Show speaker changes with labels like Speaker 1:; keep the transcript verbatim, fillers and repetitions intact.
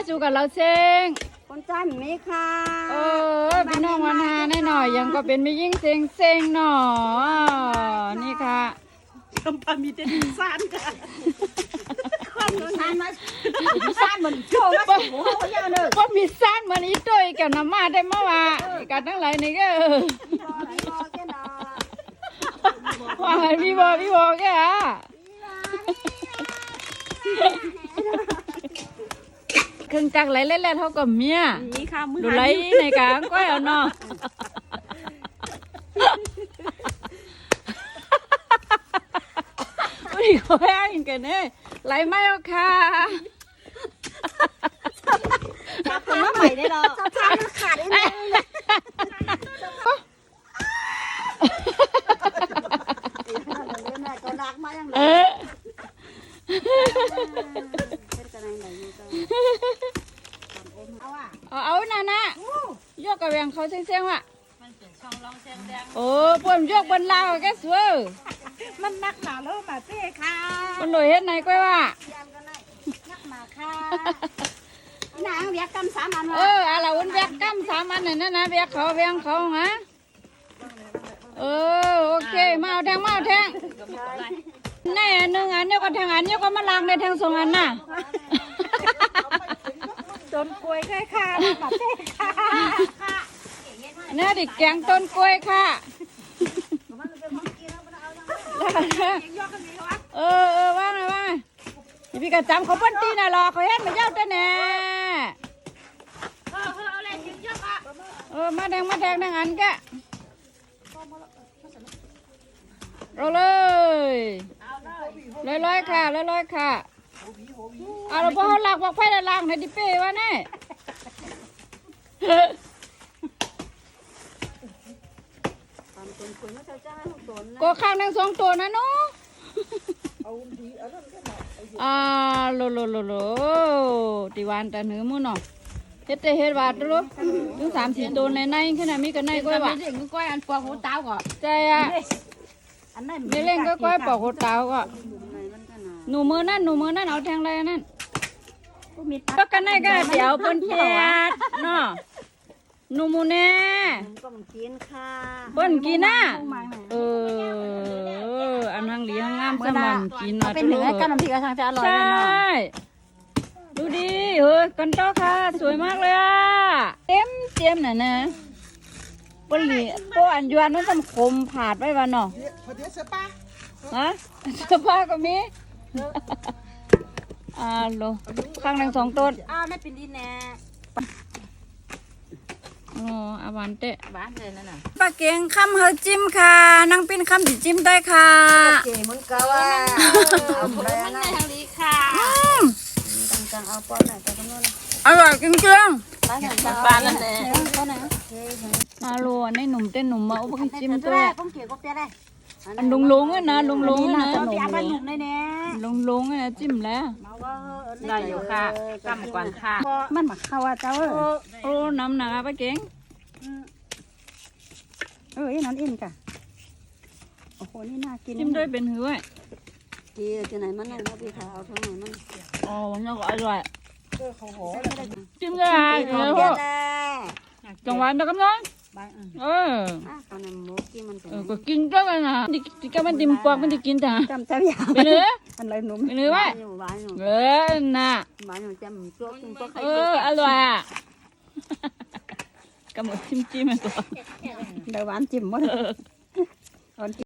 Speaker 1: จูกับเราเซง
Speaker 2: คนจ้ามีไหมค่ะ
Speaker 1: เออพี่น้องวันหาแน่หน่อยยังก็เป็นไม่ยิ่งเซงเซงหน่อนี่ค่ะ
Speaker 3: กำปามีแต่ดินซ่านค่ะ
Speaker 2: มีซ่านมามีซ่านเหมือนโจ้มาสิโอ้โหเยอะเลย
Speaker 1: ก็มีซ่านมันอีตัวอีกับน้ำมาได้เมื่อวานกันทั้งหลายนี่ก็ว่าไงพี่บอพี่บอแกอ่ะเครื่องจักรไหลเล่นๆเท่ากับเมียดูไหลในกลางก้อยเอาเนาะอุ้ยเขาแห้งกันเนี่ยไหลไม่เอาค่ะ
Speaker 2: จับคนมาใหม่ได้หรอจับทางมันขาดได้ไหมก็รักมาอย่างไร
Speaker 1: เอาเอาน่ะนะยกกระเวียงเขาเสียงๆว่ะโอ้ปวดยกบนลาวแกสวย
Speaker 3: มันนักหนาแล้วมาเต้ค่ะ
Speaker 1: บนหน่วยเฮ็ดไหนก้อยว่า
Speaker 2: นักมาค่ะนางเบียกกำสามอัน
Speaker 1: เอออะไรวันเบียกกำสามอันนั่นนะเบียกเขาเบียงเขาฮะเออโอเคมาเอาแทงมาเอาแทงแน่หนึ่งอันเดียวก็แทงอันเดียวก็มาล้างในแทงสองอันน่ะ
Speaker 3: ต้นกล้วยค่ะค่ะมาเต้ค่ะ
Speaker 1: นี่ดิแกงต้นกล้วยค่ะเออเออว่างไงว่างไงพี่กระจำเขาปั้นตีน่ะรอเขาเฮ็ดมาเย้าแต่แน่เออมาแดงมาแดงแดงอันแกเราเลยลอยๆค่ะลอยๆค่ะเอาเราพอเขาหลักบอกไฟละล่างในดิเป้วะเนี่ยก็ข้างนั่งสองตัวนะเนาะอ่าโลโลโลโลตีวานแต่เนื้อมือเนาะเฮ็ดแต่เฮ็ดวาดรู้ถึงสามสี่ตัวในในขนาดมีกันในก้อยว่ะก้อยอันปอกหัวเต้าก่อนใจอ่ะไม่เล่นก็ก้อยปอกหัวเต้าก่อนหนูมือนั่นหนูมือนั่นเอาแทงอะไรนั่นก็กันในก็เดี๋ยวปนเปียดเนาะหนูมูแน่
Speaker 2: ก็มันกินค่ะ
Speaker 1: ปนกินน่ะเอออันทางเหลียงงามสมันกินอ่ะ
Speaker 2: เป็นเหนือกันน้ำพริกกระชังจะอร่อยเลยเนาะ
Speaker 1: ดูดิเฮ้ยกันโตค่ะสวยมากเลยอ่ะเต็มเต็มน่ะนะปนเหลียปนอันยวนมันทำคมผาดไว้วันเนาะฮะเสื้อผ้าก็มีอ่าโลข้างหนึ่งสองต้น
Speaker 2: อ้าวไม่เป็นดินแน่
Speaker 1: อ๋ออาหวานเตะ
Speaker 2: หวานเลยนั่นน่ะ
Speaker 1: ปลาเก่งคำเฮาจิ้มค่ะนั่งปิ้นคำติจิ้มได้ค่ะ
Speaker 2: เก่งมันก็ว่าเอาไปนั่นทางนี้ค่ะจังๆเอาป้อนหน่อยจังๆนู่น
Speaker 1: อร่อยจริงๆ
Speaker 2: ปลานั่นแหละ
Speaker 1: มาโลในหนุ่มเต้นหนุ่มมาอุปกรณ์จิ้มตัว
Speaker 2: ผมเกี่ยวกับเปียได้
Speaker 1: อันลุงลุงนะลุงลุงนะ
Speaker 2: ลุงลุงในเนี้ย
Speaker 1: ลุงลุงนะจิ้มแล้ว
Speaker 3: ได้อยู่ค่ะกำกวนค่ะ
Speaker 2: มันมาเข้าอ่ะเจ้า
Speaker 1: โอ้น้ำหนักปลาเก่ง
Speaker 2: เออไอ้นั่นอินกะโอ้โหนี่น่ากิน
Speaker 1: จิ้มด้วยเป็นหื้อ
Speaker 2: ดีจะไหนมันนั่นนะพี่ขาวทั้งไหนมัน
Speaker 1: อ๋อมันก็อร่อยจิ้มได้เออจังหวะเดียวกันเลยเออเออก็กินก็มันนะที่ก็มันติมปอกมันจะกินแต่
Speaker 2: จำเจ้าอย่าง
Speaker 1: เป็นเนื้อ
Speaker 2: อะไรหนุ่ม
Speaker 1: เป็นเนื้อไว้เออน่ะเอออร่อยอ่ะกำหนดจิ้มจิ้มตัว
Speaker 2: เดี๋ยวหวานจิ้มหมด